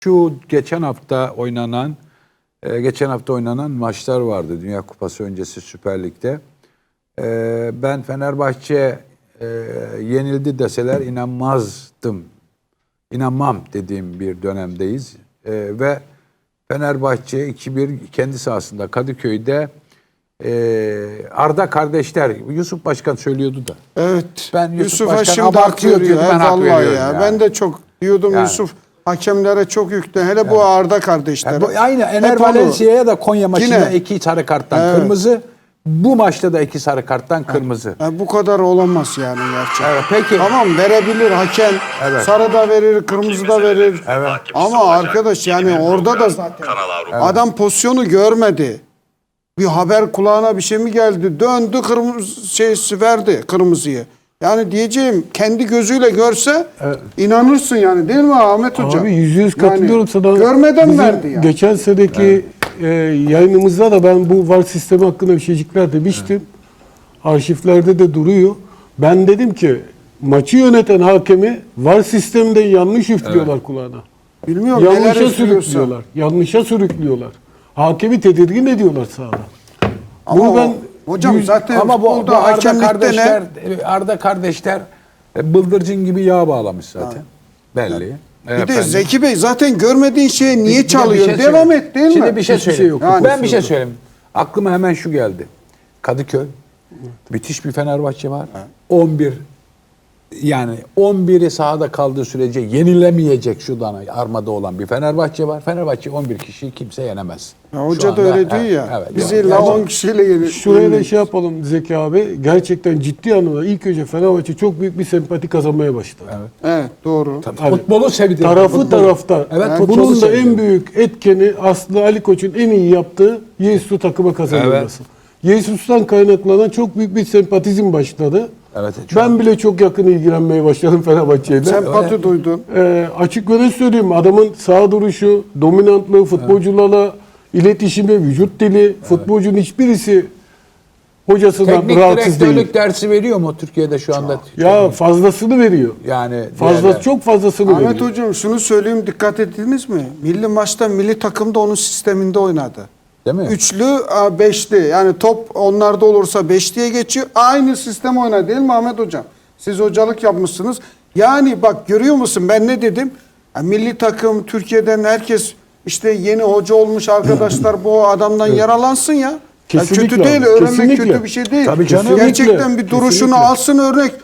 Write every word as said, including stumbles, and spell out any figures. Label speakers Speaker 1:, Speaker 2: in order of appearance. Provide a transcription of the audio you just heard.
Speaker 1: Şu geçen hafta oynanan e, geçen hafta oynanan maçlar vardı Dünya Kupası öncesi Süper Lig'de. E, ben Fenerbahçe e, yenildi deseler inanmazdım. İnanmam dediğim bir dönemdeyiz. E, ve Fenerbahçe iki bir kendi sahasında Kadıköy'de e, Arda kardeşler, Yusuf Başkan söylüyordu da.
Speaker 2: Evet.
Speaker 1: Ben Yusuf,
Speaker 2: Yusuf'a
Speaker 1: Başkan
Speaker 2: şimdi hak
Speaker 1: abartıyor
Speaker 2: veriyor.
Speaker 1: diyordu, ben hak
Speaker 2: Vallahi
Speaker 1: veriyorum
Speaker 2: ya.
Speaker 1: yani.
Speaker 2: Ben de çok diyordum
Speaker 1: Yani.
Speaker 2: Yusuf hakemlere çok yüklü. Hele bu Arda kardeşler.
Speaker 1: Yani bu, aynı Ener
Speaker 2: Hep onu-
Speaker 1: Valencia'ya da Konya maçında
Speaker 2: Yine.
Speaker 1: iki sarı karttan
Speaker 2: Evet.
Speaker 1: kırmızı. Bu maçta da iki sarı karttan kırmızı.
Speaker 2: Ya bu kadar olamaz yani gerçekten.
Speaker 1: Evet, peki.
Speaker 2: Tamam, verebilir hakem.
Speaker 1: Evet.
Speaker 2: Sarı da verir, kırmızı da verir.
Speaker 1: Evet.
Speaker 2: Ama arkadaş yani orada da zaten adam pozisyonu görmedi. Bir haber kulağına bir şey mi geldi? Döndü, kırmızı şeysi verdi kırmızıyı. Yani diyeceğim kendi gözüyle görse inanırsın yani, değil mi Ahmet Hocam?
Speaker 3: Abi yüzde yüz katılıyorum
Speaker 2: Yani
Speaker 3: sana.
Speaker 2: görmeden
Speaker 3: Bizim
Speaker 2: verdi yani.
Speaker 3: Geçen seneki e, yayınımızda da ben bu VAR sistemi hakkında bir şeycikler demiştim. Arşivlerde de duruyor. Ben dedim ki maçı yöneten hakemi VAR sisteminden yanlış üflüyorlar kulağına.
Speaker 2: Bilmiyorum neler
Speaker 3: Yanlışa
Speaker 2: üflüyorsa.
Speaker 3: sürüklüyorlar. Yanlışa sürüklüyorlar. Hakemi tedirgin ediyorlar sahada.
Speaker 2: Ama
Speaker 3: Bunu
Speaker 2: o-
Speaker 3: ben
Speaker 2: hocam
Speaker 3: yüz-
Speaker 2: zaten
Speaker 1: Ama bu, bu
Speaker 2: futbolda
Speaker 1: Arda
Speaker 2: hakemlikte
Speaker 1: kardeşler,
Speaker 2: ne?
Speaker 1: Arda kardeşler e, bıldırcın gibi yağ bağlamış zaten. Belli.
Speaker 2: Bir de Zeki Bey zaten görmediğin şeye niye
Speaker 1: Bir de bir
Speaker 2: çalıyor?
Speaker 1: şey
Speaker 2: Devam
Speaker 1: söyleyeyim.
Speaker 2: et, değil mi?
Speaker 1: Şimdi bir şey
Speaker 3: Hiçbir şey
Speaker 1: söyleyeyim.
Speaker 3: yok.
Speaker 2: Yani-
Speaker 1: ben bir şey söyleyeyim. Aklıma hemen şu geldi. Kadıköy. Müthiş bir Fenerbahçe var. on bir yani on biri sahada kaldığı sürece yenilemeyecek şu dana armada olan bir Fenerbahçe var. Fenerbahçe on bir kişiyi kimse yenemez.
Speaker 2: Ya
Speaker 1: Şu
Speaker 2: hoca da
Speaker 1: anda,
Speaker 2: öyle diyor
Speaker 1: evet,
Speaker 2: ya.
Speaker 1: evet,
Speaker 2: Biz
Speaker 1: yani
Speaker 2: illa
Speaker 1: gerçekten-
Speaker 2: on kişiyle yenir.
Speaker 3: Şuraya da şey yapalım Zeki abi. Gerçekten ciddi anlamda ilk önce Fenerbahçe çok büyük bir sempati kazanmaya başladı.
Speaker 2: Evet, doğru.
Speaker 1: Futbolu sevdi.
Speaker 3: Tarafı
Speaker 1: Futbolu.
Speaker 3: taraftar.
Speaker 1: Evet,
Speaker 3: Yani
Speaker 1: futbolu
Speaker 3: bunun da
Speaker 1: sevdi.
Speaker 3: en büyük etkeni aslında Ali Koç'un en iyi yaptığı Yesus'u takıma kazanılması. Yesus'tan kaynaklanan çok büyük bir sempatizm başladı.
Speaker 1: Evet, çok-
Speaker 3: Ben bile çok yakın ilgilenmeye başladım Fenerbahçe'yle.
Speaker 2: Sempati duydun.
Speaker 3: Ee, açık ve net söyleyeyim, adamın sağ duruşu, dominantlığı, futbolcularla iletişimi, vücut dili, futbolcunun hiçbirisi hocasından
Speaker 1: Teknik
Speaker 3: rahatsız
Speaker 1: direktörlük
Speaker 3: değil.
Speaker 1: dersi veriyor mu Türkiye'de şu anda?
Speaker 3: Ya fazlasını veriyor.
Speaker 1: Yani
Speaker 3: Fazla
Speaker 1: diğerler-
Speaker 3: çok fazlasını
Speaker 2: Ahmet
Speaker 3: veriyor.
Speaker 2: Hocam şunu söyleyeyim, dikkat ettiniz mi? Milli maçta milli takımda onun sisteminde oynadı.
Speaker 1: Değil mi?
Speaker 2: Üçlü, a, beşli. Yani top onlarda olursa beşliye geçiyor. Aynı sistem oynadı, değil mi Ahmet Hocam? Siz hocalık yapmışsınız. Yani bak, görüyor musun ben ne dedim? Ya, milli takım, Türkiye'den herkes işte yeni hoca olmuş arkadaşlar bu adamdan yaralansın ya. Ya
Speaker 3: Kesinlikle
Speaker 2: kötü değil,
Speaker 3: abi,
Speaker 2: öğrenmek
Speaker 3: kesinlikle.
Speaker 2: kötü bir şey değil.
Speaker 1: Tabii canım.
Speaker 2: Gerçekten
Speaker 3: Kesinlikle,
Speaker 2: bir duruşunu
Speaker 3: kesinlikle.
Speaker 2: alsın örnek.